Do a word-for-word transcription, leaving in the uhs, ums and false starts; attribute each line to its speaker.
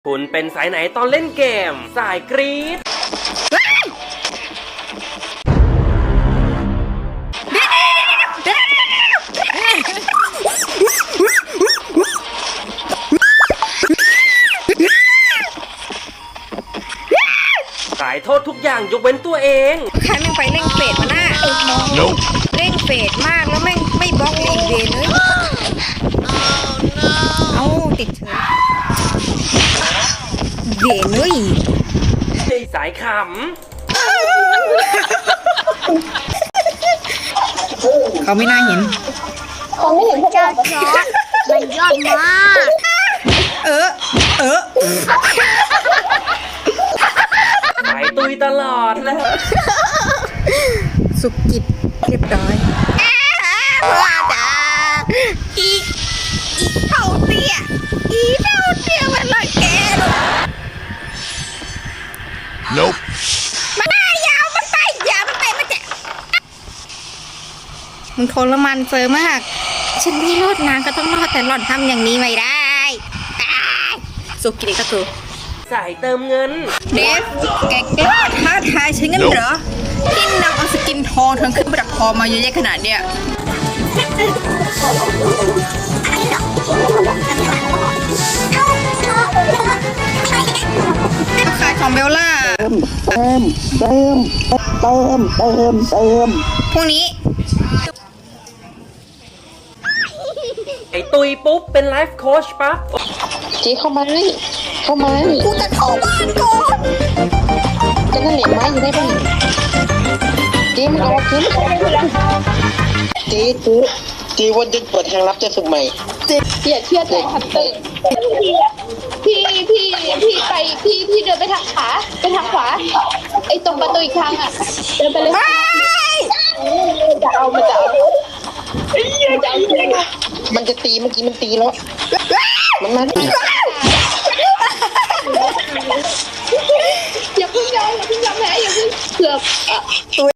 Speaker 1: คุณเป็นสายไหนตอนเล่นเกมสายกรี๊ดสายโทษทุกอย่างยกเว้นตัวเอง
Speaker 2: ใครแม่งไปเร่งเฟดมาหน้า
Speaker 3: Nope.
Speaker 2: เร่งเฟดมากแล้วแม่งไม่บล็อกอีกเวนเลยเอาติดเฉยเวนเลย
Speaker 1: สายข
Speaker 2: เขาไม่น่าเห็น
Speaker 4: เขาไม่เห็นพวกเราเพราะมันยอดมาก
Speaker 2: เออเออ
Speaker 1: ำสายตุยตลอดเลย
Speaker 2: สุกิจเรียบร้อยว่าจ้าอีอีเท่าเตี้ยอีเท่าเตี้ยมันละแกลูก
Speaker 3: Nope.
Speaker 2: มันหน้ายาวมันไปยาวมันไปมันจะมึงทรมานเจอมากฉันไม่รอดนางก็ต้องรอดแต่หล่อนทำอย่างนี้ไม่ได้ตายสุกิจก็คือ
Speaker 1: สายเติมเงิน
Speaker 2: เดฟแกกล้าท้าทายฉันงั้นเหรอที่นำเอาสกินทองทั้งขึ้นประดับคอมาเยอะแยะขนาดเนี้ยขายของเบลล่า
Speaker 4: เติมเติมเติมเติมเติม
Speaker 2: พวกนี้
Speaker 1: ไอตุยปุ๊บเป็นไลฟ์โค้ชปั๊บ
Speaker 4: เจ๊เข้ามาเลยเข้ามาเลย
Speaker 2: กูจะเข้าบ้านก่อน
Speaker 4: จะนั่นเหล็กไม้อยู่ได้ป่ะเจ๊มันออกเจ๊มันออกเจ๊เจ๊เจ๊วันจะเปิดทางลับจะสุกใหม่เจ๊อย่าเชื่อใจฮัตเตอร์พี่พี่พี่ไปพี่พี่เดินไปทางขวาไปทางขวาไอ้ตรงประตูอีกทางอ่ะเดินไปเลยจะเอามันจะเอามันจะตีเมื่อกี้มันตีแล้วมันมา